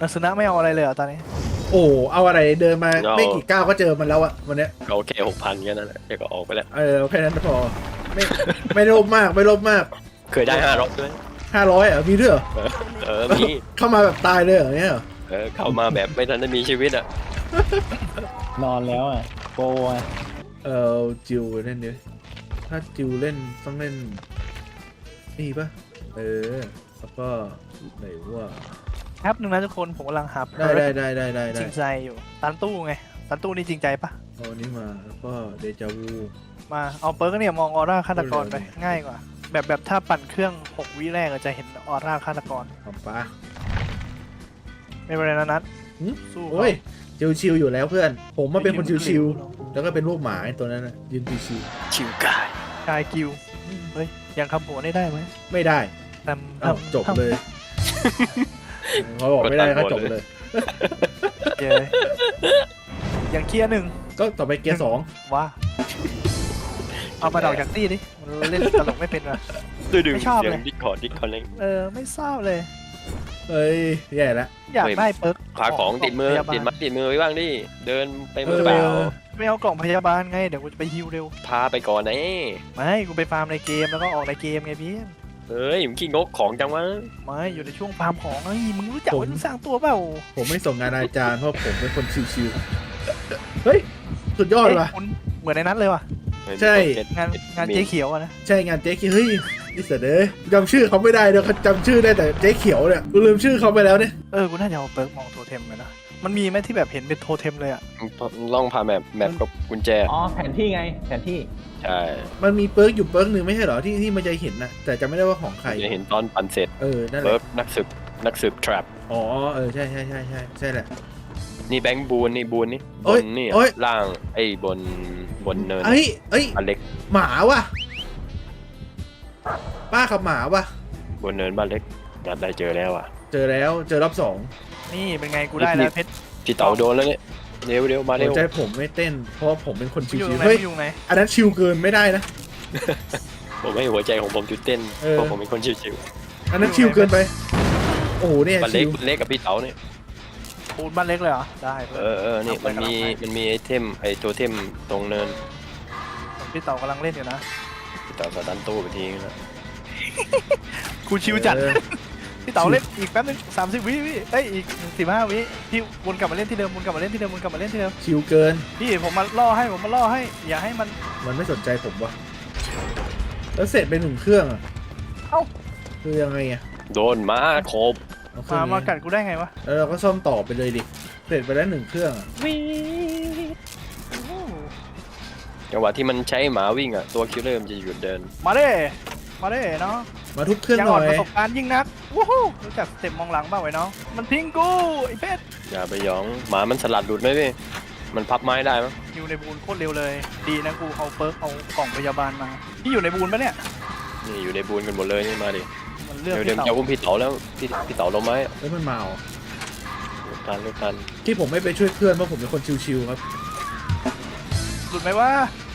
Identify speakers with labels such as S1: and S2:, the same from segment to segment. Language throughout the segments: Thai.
S1: นัสนะไม่เอาอะไรเลยเหรอตอนนี้
S2: โอ้เอาอะไรเดินมาไม่กี่ก้าวก็เจอมันแล้วอะวันเนี้ย
S3: เขาแค่6,000แค่นั้นแหละเดี๋ยวก็ออกไปแล้ว
S2: แค่นั้นพอไม่ไม่โลภมากไม่โลภมาก
S3: เคยได้500ด้วย
S2: 500อ่ะมีด้วยเหรอ
S3: มี
S2: เข้ามาแบบตายเลยเหรอเนี่ยเหรอ
S3: เข้ามาแบบไม่ทันได้มีชีวิตอ่ะ
S4: นอนแล้วอ่ะโปรอ่ะ
S2: จิวเล่นดิถ้าจิวเล่นต้องเล่นนี่ปะแล้วก็ไหนว่า
S1: แป๊บนึงนะทุกคนผมกำลังหา
S2: ได้
S1: จริงใจอยู่ตันตู้ไงตันตู้นี่จริงใจปะ
S2: เอาอันนี้มาแล้วก็เดจาวู
S1: มาเอาเปิร์กเนี่ยมองออร่าฆาตกรไปง่ายกว่าแบบถ้าปั่นเครื่อง6 วิแรกจะเห็นออร่าฆาตกร
S2: ของป้า
S1: ไม่เป็นไรนะนัท
S2: หืม
S1: สู้
S2: โอ้ยชิวๆอยู่แล้วเพื่อน ผมมาเป็นคนชิวๆแล้วก็เป็นลูกหมาไอ้ตัวนั้นนะยืนชิว
S3: ชิวกาย
S1: ชายกิวเฮ้ยยังคำหัวได้ไหม
S2: ๆไม่ได้
S1: แต่
S2: อ้าวจบเลยเขาบอกไม่ได้ก็จบเลย
S1: เย้ยังเคลียร์หนึ่ง
S2: ก็ต่อไปเกียร์ 2
S1: ว้าเอามาดอกจากตี้ดิมันเล่นตลกไม่เป็นว่ะ
S3: ดึง
S1: ไม่ชอบ
S3: เสีย
S1: เล
S3: ง
S1: ย
S3: ดิสคอร์ดเล่น
S1: ไม่ทราบเลย
S2: เอ้ยแย่แล้ว
S1: อยากได้เปิร์ก
S3: ขาของติดมือ
S1: พยาบาล
S3: ติดมือไว้บ้างดิเดินไปมือเปล่า
S1: ไม่เอากล่องพยาบาลไงเดี๋ยวกูจะไปฮิวเร็ว
S3: พาไปก่อนนะ
S1: ไม่กูไปฟาร์มในเกมแล้วก็ออกในเกมไงพี่
S3: เฮ้ยมึงขี้งกของจังวะ
S1: ไม่อยู่ในช่วงฟาร์มของไอ้ยมึงรู้จักว่ามึงสร้างตัวเปล่า
S2: ผมไม่ส่งงานอาจารย์เพราะผมเป็นคนชิวๆเฮ้ยสุดยอดว่ะ
S1: คุณเหมือนในนั้นเลยว่ะ
S2: ใช่
S1: งานเจ๊เขียวอะนะ
S2: ใช่งานเจ๊เขียวเฮ้ยนี่เสยเด้อจำชื่อเขาไม่ได้เดี๋ยวเขาจำชื่อได้แต่เจ๊เขียวเนี่ยกูลืมชื่อเขาไปแล้วเนี่ย
S1: กูน่าจะเอาเปิร์กมองโทเทมไปนะมันมีไหมที่แบบเห็นเป็นโทเทมเลยอะ
S3: ล่องพาแมปกับกุญแจ
S4: อ๋อแผนที่ไงแผนที่
S3: ใช่
S2: มันมีเปิร์กอยู่เปิร์กหนึ่งไม่ใช่เหรอที่มันจะเห็นนะแต่จำไม่ได้ว่าของใคร
S3: จะเห็นตอนปั่นเสร็จ
S2: นั่นแห
S3: เบิ
S2: ละ
S3: ร์กนักสืบทรัพ
S2: อ๋อใช่ใช่แหละ
S3: นี่แบงค์บูนนี่บ
S2: โอ้ย
S3: นนี่
S2: โอ้ย
S3: ล่างไอ้บนเนิน
S2: เอ้ย
S3: บ้านเล็ก
S2: หมาว่ะป้าขับหมาว่ะ
S3: บนเนินบ้านเล็กนัดได้เจอแล้วอ่ะ
S2: เจอแล้วเจอรอบ
S1: นี่เป็นไงกูได้แล้วเพชร
S3: พี่เต๋าโดนแล้วเนี่ยเร็วมา
S2: 2
S3: เร็
S2: หั
S3: ว
S2: วใจผมไม่เต้นเพราะว่าผมเป็นคนชิ
S1: อยู่ตร
S2: ว
S1: งไหน
S2: ๆเฮ้ย
S1: อยู่ไหน
S2: อันนั้นชิวเกินไม่ได้นะ
S3: ผมให้หัวใจของผมจุดเต้นเพราะผมเป็นคนชิว
S2: อันนั้นชิวเกินไปโอ้โหเนี่ย
S3: ๆบ้าน
S2: ชิ
S3: เล็ก
S2: ว
S3: กับพี่เต๋าเนี่ย
S1: ปูนบ้านเล็กเลยเหรอได้เพื่อน
S3: นี่มันมีไอเทมไอตัวเทมตรงเนิน
S1: พี่เต่ากำลังเล่นอยู่นะ
S3: พี่เต๋าสตันตู้ไปทีนึงแล้ว
S1: กูชิวจัด
S2: เออ
S1: พี่เต๋าเล่นอีกแป๊บนึง30 วิอีก15 วิพี่วนกลับมาเล่นที่เดิมวนกลับมาเล่นที่เดิมวนกลับมาเล่นที่เดิม
S2: ชิวเกิน
S1: พี่ผมมาล่อให้อย่าให้มัน
S2: มันไม่สนใจผมวะแล้วเสร็จไป1 เครื่องอะ
S1: เอ้า
S2: คือยังไงอะ
S3: โดนมาโคบ
S2: เอาเครื่
S1: มา
S2: อง
S1: มา
S2: นี้
S1: กัดกูได้ไงวะ
S2: แล้วเราก็ซ่อมต่อไปเลยดิเสร็จไปแล้ว1 เครื่องอะ
S3: จังหวะที่มันใช้หมาวิ่งอ่ะตัวคิลเลอร์มันจะหยุดเดิน
S1: มาเด้เนาะ
S2: มาทุบเครื่อง
S1: ยัง
S2: ห
S1: อ่
S2: น่
S1: อน
S2: อย
S1: ประสบการณ์ยิ่งนักวู้ฮู้รู้จักสเต็ปมองหลังบ้างไว้น้องมันทิ้งกูไอ้เพชร
S3: อย่าไปหยองหมามันสลัดหลุดไหมพี่มันพับไม้ได้มั้ย
S1: อยู่ในบูนโคตรเร็วเลย ดีนะกูเอาเปิร์กเอากล่องพยาบาลมาพี่อยู่ในบูนปะเนี่ย
S3: นี่อยู่ในบูนกันหมดเลยนี่มาดิ
S1: มันเลือก
S3: เดี๋ยว
S1: พี่
S3: จะ
S1: เต่า
S3: อุ้มพี่เต๋าแล้วพี่เต๋าลงไหม
S2: แล้วมันมาเหรอ
S3: ลูกทัน
S2: ที่ผมไม่ไปช่วยเพื่อนเพราะผมเป็นคนชิวๆครับ
S1: หลุดไหมวะ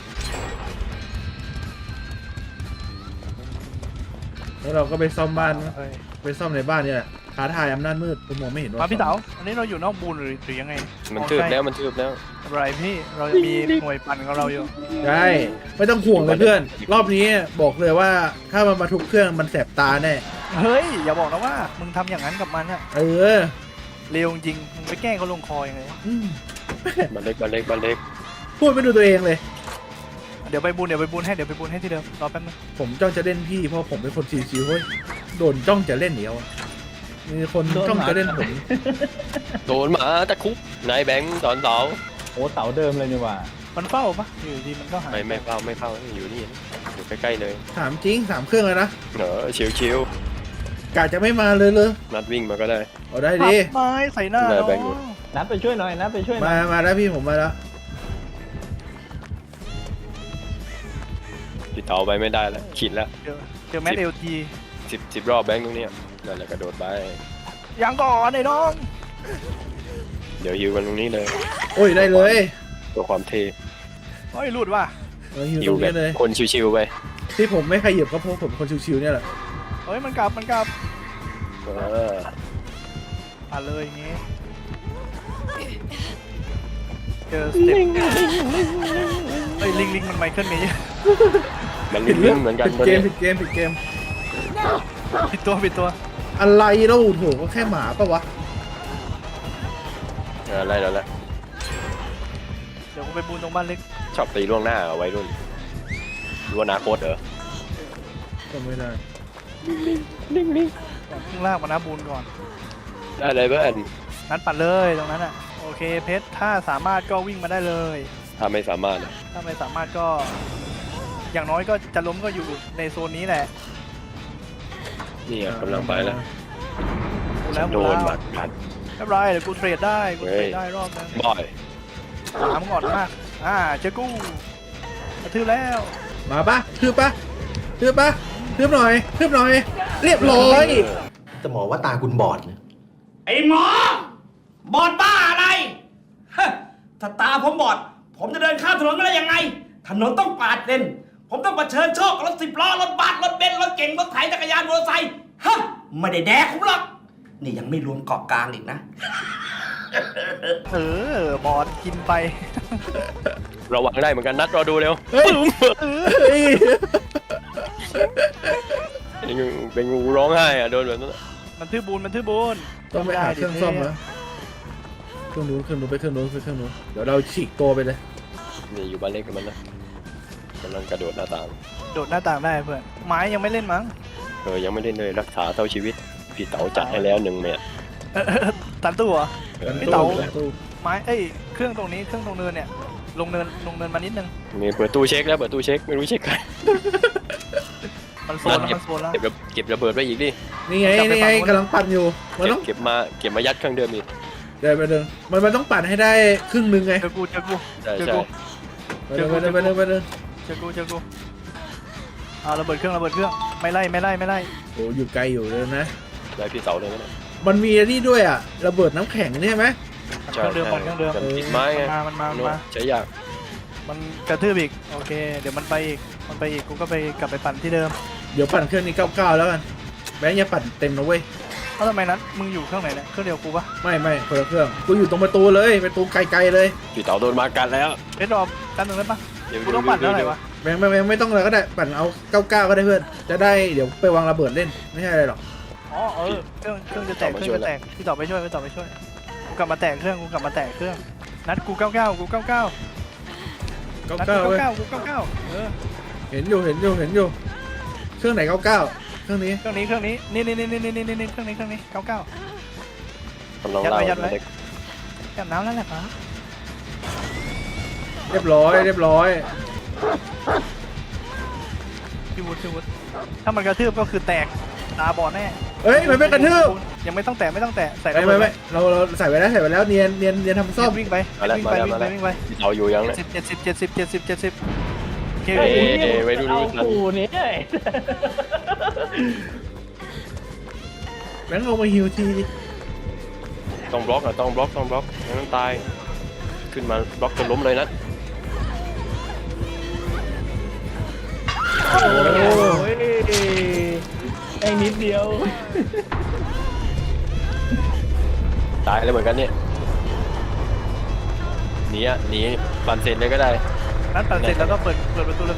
S2: แล้วเราก็ไปซ่อมบ้านนะ
S1: เอ้ย
S2: ไปซ่อมในบ้านเนี่ยแหละท้าทายอำนาจมืดผมมองไม่เห็นว่า
S1: มาพี่เต๋าอันนี้เราอยู่นอกบูนหรือยังไง
S3: มันทืบแล้วมันทืบแล้ว
S1: อะไรพี่เราจะมีหน่วยปั่นของเราอยู่
S2: ได้ไม่ต้องห่วงเลยเพื่อน รอบนี้บอกเลยว่าถ้ามันมาทุบเครื่องมันแสบตาแน่
S1: เฮ้ยอย่าบอกนะว่ามึงทำอย่างนั้นกับมันอะ
S2: เออ
S1: เร็วจริงมึงไปแกล้งเขาลงคอยังไง
S2: อืม
S3: บ้านเล็ก
S2: พูดไม่ดูตัวเองเลย
S1: เดี๋ยวไปบูนให้ที่เดิมรอแป๊บนึง
S2: ผมจ้องจะเล่นพี่เพราะผมเป็นคนชิวๆเฮ้ยโดนจ้องจะเล่นเดียวอะมีคนจ้องจะเล่นผม
S3: โดนหมาตะคุบนายแบงค์ตอนเต๋า
S4: โอ้เสาเดิมเลยนี่หว่า
S1: มันเฝ้าปะอยู่ดีมันก็หาย
S3: ไม่เฝ้าอยู่นี่อยู่ใกล้ๆเลย
S2: ถามจริง3 เครื่องเลยนะ
S3: ชิว
S2: กะจะไม่มาเลย
S3: นัดวิ่งมาก็ได้
S2: เอาได้
S1: ปั
S2: ดิ
S1: บไม้ใส่หน้า
S3: ได้
S1: เนาะ
S3: แบงค์อยู่
S4: นัดไปช่วยหน่อยนัดไปช่วยหน่อย
S2: มาแล้วพี่ผมมาแล้ว
S3: พี่เต๋าไปไม่ได้แล้วขีดแล้ว
S1: เจอแมทเอลที
S3: 10 รอบแบงค์ตรงเนี้ยนั่นแหละกระโดดไป
S1: ยังก่อนไอ้น้อง
S3: เดี๋ยวฮิวกันตรงนี้เลย
S2: โอ้ยได้เลย
S3: ตัวความเท่
S1: เฮ้ยหลุดว่ะ
S2: อยู่
S3: ฮิ
S2: ต
S3: ว
S2: รง
S3: แบ
S2: นี้
S3: บ
S2: เลย
S3: คนชิวๆไป
S2: ที่ผมไม่ขยับก็เพราะผมคนชิวๆเนี่ยแหละ
S1: เฮ้ยมันกลับ
S3: เออ
S1: ปั่นเลยอย่างงี้เจอสเต็ปเฮ้ยลิงมันไมเคิลเมย์
S3: มันลิ้นเหมือนกัน
S2: ผิด
S3: ตัว
S2: เก
S3: นี้
S2: มผิดเกมผิดเกม
S1: ผิดตัว
S2: อะไรแล้วโถก็แค่หมาปะวะ
S3: อะไรแล้วแหละ
S1: เดี๋ยวกูไปบูนตรงบ้านเล็ก
S3: ชอบตีล่วงหน้าเอาไว้รุ่นรู้อนาคตเหรอ
S2: ก็ไม่ได้
S1: ข้างล่างมานะบูนก่อน
S3: ได้เลยเพื่อน
S1: นัดปั่นเลยตรงนั้นอ่ะโอเคเพชรถ้าสามารถก็วิ่งมาได้เลย
S3: ถ้าไม่สามารถอะ
S1: ถ้าไม่สามารถก็ อย่างน้อยก็จะล้มก็อยู่ในโซนนี้แหละ
S3: นี่กำลังไปแล้ว
S1: บูนแล้ว
S3: โด
S1: บูน
S3: น
S1: แล้ว
S3: หมัดพัน
S1: ไม่เป็นไรเดี๋ยวกูเทรดได้กูเทรดได้รอบนึง
S3: บ่อย
S1: ถามก่อนมากเจอกูกระทืบแล้ว
S2: มาปะทืบปะทืบปะทืบหน่อยทืบหน่อย เรียบร้อย
S5: แต่หมอว่าตาคุณบอดนะ
S6: ไอ้หมอ บอดบ้าอะไรฮะถ้าตาผมบอด ผมจะเดินข้ามถนนมาได้ยังไง ถนนต้องปาดเลนผมต้องเผชิญโชคกับรถ10 ล้อ รถบัสรถเบนซ์รถเก๋งรถไถจักรยานมอเตอร์ไซค์ฮะไม่ได้แดกผมหรอก นี่ยังไม่รวมเกาะกลางอีกนะ
S1: บอลกินไป
S3: ระวังได้เหมือนกันนัดรอดูเร็ว
S2: เฮ้ยเฮ้ย
S3: เป็นงูร้องไห้อะโดนแบบนั้น
S1: มันทื่อบูน
S2: ต้องไปหาเครื่องซ่อมแล้วเครื่องนู้นไปเครื่องนู้นเดี๋ยวเราฉีกตัวไปเลย
S3: นี่อยู่บ้านเล็กกับมันนะกำลังกระโดดหน้าต่าง
S1: โดดหน้าต่างได้เพื่อนไม้ยังไม่เล่นมั้ง
S3: ยังไม่ได้เลยรักษาเท่าชีวิตพี่เต๋าจัดให้แล้ว1 เม็ด
S1: ตันตู้เหรอ
S2: กัน
S1: พี่
S2: ตู้
S1: เต๋า
S2: กันตู้
S1: ไม้เครื่องตรงนี้เครื่องตรงเนินเนี่ยลงเนินมานิดนึง
S3: มีเปิดตู้เช็คแล้วเปิดตู้เช็คไม่รู้เช็คใคร
S1: มันโซนแล้ว
S3: เก็บระเบิดไว้อีกดิ
S2: นี่ไงกำลังปั่นอยู่มันต้อง
S3: เก็บมายัดเครื่องเดิมอีก
S2: เดี๋ยวไปเดินมันต้องปั่นให้ได้ครึ่งหนึ่งไง
S1: เจอกู
S3: ใช่
S1: เจอ
S3: ใช่
S1: กู
S2: ไปเดินไปเดิน
S1: เจอกูระเบิดเครื่องไม่ไล่
S2: โอ้อยู่ไกลอยู่เลยนะ
S3: ได้พี่เต๋าเลยนะ
S2: มันมีอันนี่ด้วยอ่ะระเบิดน้ำแข็งนี่ใช่ไหม
S1: เครื่องเดิม
S3: แต่ติดไม้ไง
S1: มันมา
S3: ใช้ยาก
S1: มันกระทืบอีกโอเคเดี๋ยวมันไปอีกกูก็ไปกลับไปปั่นที่เดิม
S2: เดี๋ยวปั่นเครื่องนี้99แล้วกันแบงค์อย่าปั่นเต็มนะเว้ย
S1: แล้วทำไมนั้นมึงอยู่เครื่องไหนเนี่ยเครื่องเดียวกูปะ
S2: ไม่คนละเครื่องกูอยู่ตรงประตูเลยประตูไกลๆเลย
S3: พี่เต๋าโดนมากันแล้ว
S1: เอ็ดรอบกันหนึ่งได้ปะ
S3: เดี๋ยว
S1: กูต้องปั่นเท่าไหร่วะ
S2: แบงค์ไม่ต้องเลยก็ได้ปั่นเอา99ก็ได้เพื่อนจะได้เดี๋ยวไปวางระเบิดเล่นไม่ใช่อะไรหรอก
S1: อ๋อเครื่องจะแตกพี่ต่อไปช่วยกูกลับมาแตกเครื่องนัดกู99นัดกู
S2: 99เว้ย
S1: 99
S2: เห็นอยู่เครื่องไหน99เครื่องนี้
S1: เครื่องนี้นี่เครื่องนี้99
S3: กำลังเล่า
S1: ยัดไว้ จับน้ำแล้วแหละครับ
S2: เรียบร้อย
S1: พี่วุฒิถ้ามันกระทืบก็คือแตกตาบอดแน่
S2: เอ้ยมันไม่กระทืบ
S1: ยังไม่ต้องแตะใส่
S2: ไม่เราใส่ไว้แล้วเนียนทำซ่อม
S1: วิ่งไป
S3: พี่เต๋าอยู่ยังเนี่ย
S1: 70โอเค
S3: เอ้ยไว้ดู
S4: เอากูเนี่ย
S2: แบงค์เอามาฮิวทีดิ
S3: ต้องบล็อกไม่งั้นตายขึ้นมาบล็อกจนล้มเลยนะ
S4: โอ้ยไอ้นิดเดียว
S3: ตายแล้วเหมือนกันเนี่ยหนีปั่นเสร็จเลยก็ได้
S1: นัดปั่นเสร็จแล้วก็เปิดประตูเลย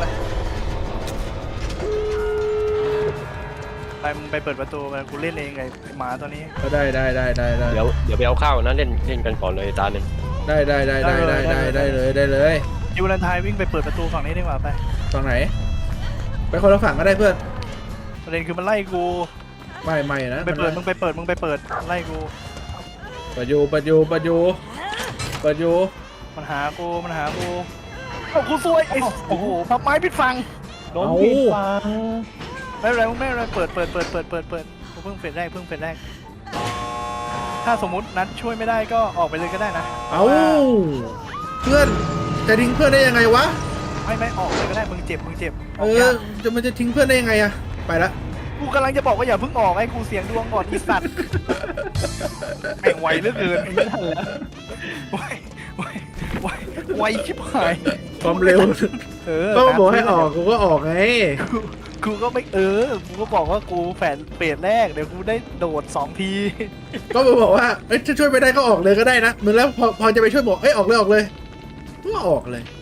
S1: ไปมึงไปเปิดประตูไปกูเล่นเองไงหมาตัวนี้
S2: ก็ได้
S3: เดี๋ยวไปเอาข้าวนะเล่นกันก่อนเลยตาหนึ่ง
S2: ได้เลย
S1: ยูรันไทยวิ่งไปเปิดประตูฝั่งนี้ดีกว่าไป
S2: ฝั่งไหนไปคนละฝั่งก็ได้เพื่อน
S1: ประเด็นคือมันไล่กู
S2: ไม่นะ
S1: มึงไปเปิดไล่กู
S2: ปัจยู
S1: มันหากูเอากูซวยโอ้โหพับไม้ปิดฟัง
S4: โดนผิดฟัง
S1: ไม่เป็นไรเปิดกูเพิ่งเฟสแรกถ้าสมมุตินัดช่วยไม่ได้ก็ออกไปเลยก็ได้นะ
S2: เอาเพื่อนจะทิ้งเพื่อนได้ยังไงวะ
S1: ไม่ออกเลยก็ได้มึงเจ็บ
S2: มันจะทิ้งเพื่อนได้ยังไงอะไปละ
S1: กูกำลังจะบอกว่าอย่าเพิ่งออกให้กูเสียงดวงก่อนอีสัตว์แม่งไวเหลือเกินไม่ทันแล้วไวชิบหาย
S2: ความเร็วก็บอกให้ออกกูก็ออกไง
S1: กูก็ไม่กูก็บอกว่ากูแฝนเฟสแรกเดี๋ยวกูได้โดด2 ที
S2: ก็มาบอกว่าเอ้ยถ้าช่วยไม่ได้ก็ออกเลยก็ได้นะมึงแล้วพอจะไปช่วยบอกเอ้ยออกเลยก็ออกเลย